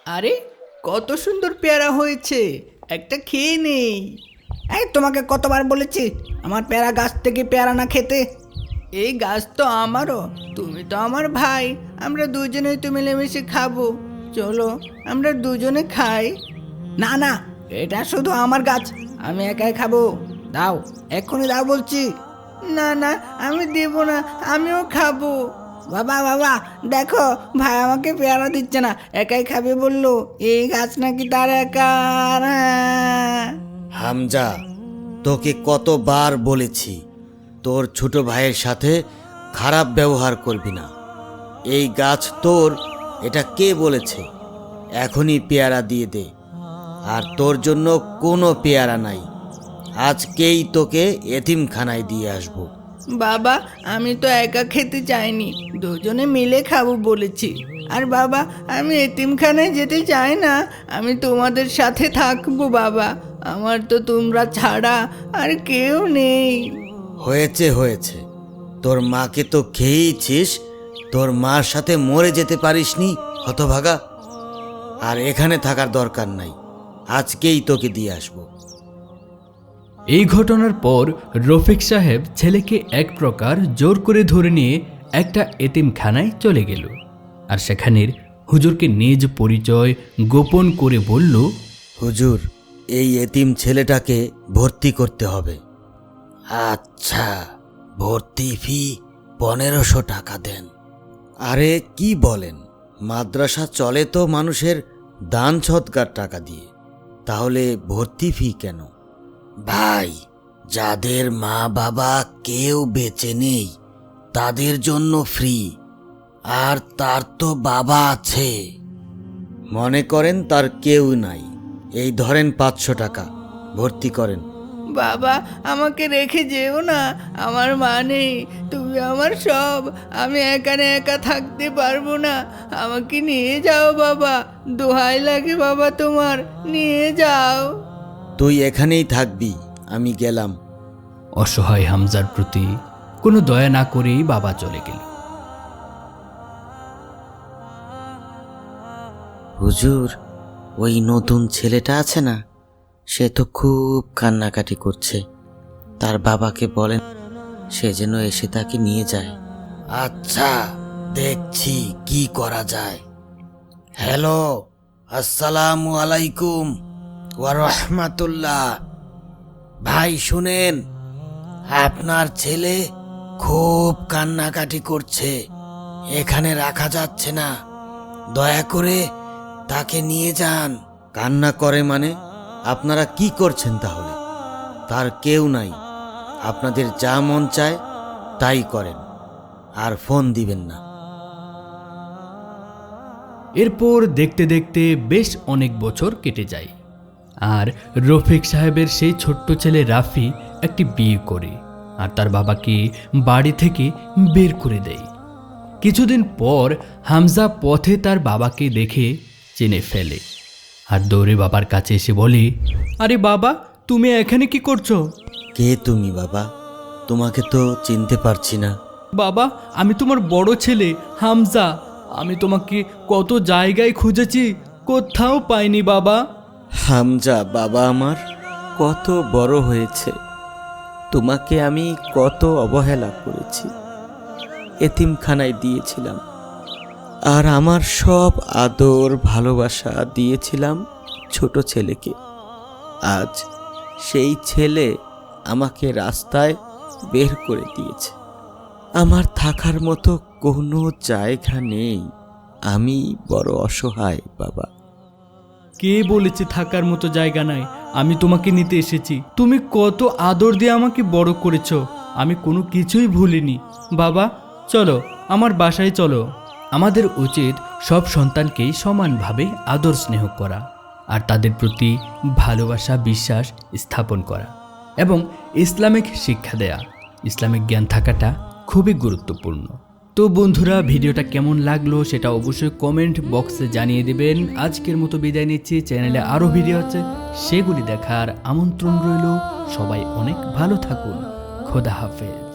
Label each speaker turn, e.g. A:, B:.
A: আরে কত সুন্দর পেয়ারা হয়েছে, একটা খেয়ে নেই।
B: এই তোমাকে কতবার বলেছি আমার পেয়ারা গাছ থেকে পেয়ারা না খেতে।
A: এই গাছ তো আমারও, তুমি তো আমার ভাই, আমরা দুজনেই তো মিলেমিশে খাবো। চলো আমরা দুজনে খাই।
B: না না, এটা শুধু আমার গাছ, আমি একাই খাবো। দাও, এক্ষুনি দাও বলছি।
A: না না, আমি দেব না, আমিও খাবো।
B: বাবা বাবা, দেখো ভাই আমাকে পেয়ারা দিচ্ছে না, একাই খাবে বললো। এই গাছ নাকি তার একার।
C: হামজা, তোকে কতবার বলেছি তোর ছোট ভাইয়ের সাথে খারাপ ব্যবহার করবি না। এই গাছ তোর, এটা কে বলেছে? এখনই পেয়ারা দিয়ে দে। আর তোর জন্য কোনো পেয়ারা নাই, আজকেই তোকে এতিমখানায় দিয়ে আসবো।
A: বাবা, আমি তো একা খেতে চাইনি, দুজনে মিলে খাবো বলেছি। আর বাবা, আমি এতিমখানায় যেতে চাই না, আমি তোমাদের সাথে থাকবো বাবা। আমার তো তোমরা ছাড়া আর কেউ নেই।
C: হয়েছে হয়েছে, তোর মাকে তো খেয়েইছিস, তোর মার সাথে মরে যেতে পারিসনি হতভাগা। আর এখানে থাকার দরকার নাই, আজকেই তোকে দিয়ে আসবো।
D: এই ঘটনার পর রফিক সাহেব ছেলেকে এক প্রকার জোর করে ধরে নিয়ে একটা এতিমখানায় চলে গেল। আর সেখানের হুজুরকে নিজ পরিচয় গোপন করে বলল,
C: হুজুর, এই এতিম ছেলেটাকে ভর্তি করতে হবে। আচ্ছা, ভর্তি ফি 1500 টাকা দেন। আরে কি বলেন, মাদ্রাসা চলে তো মানুষের দান সৎকার টাকা দিয়ে, তাহলে ভর্তি ফি কেন? ভাই, যাদের মা বাবা কেউ বেঁচে নেই তাদের জন্য ফ্রি। আর তার তো বাবা আছে, মনে করেন তার কেউ নাই, এই ধরেন 500 টাকা, ভর্তি করেন।
A: বাবা, আমাকে রেখে যেও না, আমার মা নেই, তুমি আমার সব, আমি এখানে একা থাকতে পারবো না, আমাকে নিয়ে যাও বাবা, দোহাই লাগে বাবা তোমার, নিয়ে যাও।
C: তুই এখানেই থাকবি, আমি গেলাম।
D: অসহায় হামজার প্রতি কোনো দয়া না করেই বাবা চলে গেল।
C: হুজুর, ওই নতুন ছেলেটা আছে না, সে তো খুব কান্নাকাটি করছে, তার বাবাকে বলেন সে যেন এসে তাকে নিয়ে যায়। আচ্ছা, দেখছি কি করা যায়। হ্যালো, আসসালামু আলাইকুম ওয়া রাহমাতুল্লাহ। ভাই শুনেন, আপনার ছেলে খুব কান্নাকাটি করছে, এখানে রাখা যাচ্ছে না, দয়া করে তাকে নিয়ে যান। কান্না করে মানে? আপনারা কি করছেন তাহলে? তার কেউ নাই, আপনাদের যা মন চায় তাই করেন, আর ফোন দিবেন না।
D: এরপর দেখতে দেখতে বেশ অনেক বছর কেটে যায়। আর রফিক সাহেবের সেই ছোট্ট ছেলে রাফি একটি বিয়ে করে আর তার বাবাকে বাড়ি থেকে বের করে দেয়। কিছুদিন পর হামজা পথে তার বাবাকে দেখে চিনে ফেলে আর দৌড়ে বাবার কাছে এসে বলে, আরে বাবা, তুমি এখানে কি করছো?
C: কে তুমি বাবা? তোমাকে তো চিনতে পারছি না।
D: বাবা, আমি তোমার বড় ছেলে হামজা, আমি তোমাকে কত জায়গায় খুঁজেছি, কোথাও পাইনি বাবা।
E: হামজা বাবা আমার কত বড় হয়েছে, তোমাকে আমি কত অবহেলা করেছি, এতিমখানায় দিয়েছিলাম, আর আমার সব আদর ভালোবাসা দিয়েছিলাম ছোট ছেলেকে। আজ সেই ছেলে আমাকে রাস্তায় বের করে দিয়েছে, আমার থাকার মতো কোনো জায়গা নেই, আমি বড় অসহায় বাবা।
D: কে বলেছে থাকার মতো জায়গা নাই? আমি তোমাকে নিতে এসেছি, তুমি কত আদর দিয়ে আমাকে বড় করেছো, আমি কোনো কিছুই ভুলিনি। বাবা চলো, আমার বাসায় চলো। আমাদের উচিত সব সন্তানকেই সমানভাবে আদর স্নেহ করা আর তাদের প্রতি ভালোবাসা বিশ্বাস স্থাপন করা এবং ইসলামিক শিক্ষা দেয়া। ইসলামিক জ্ঞান থাকাটা খুবই গুরুত্বপূর্ণ। তো বন্ধুরা, ভিডিওটা কেমন লাগলো সেটা অবশ্যই কমেন্ট বক্সে জানিয়ে দেবেন। আজকের মতো বিদায় নিচ্ছি, চ্যানেলে আরও ভিডিও আছে, সেগুলি দেখার আমন্ত্রণ রইল। সবাই অনেক ভালো থাকুন, খোদা হাফেজ।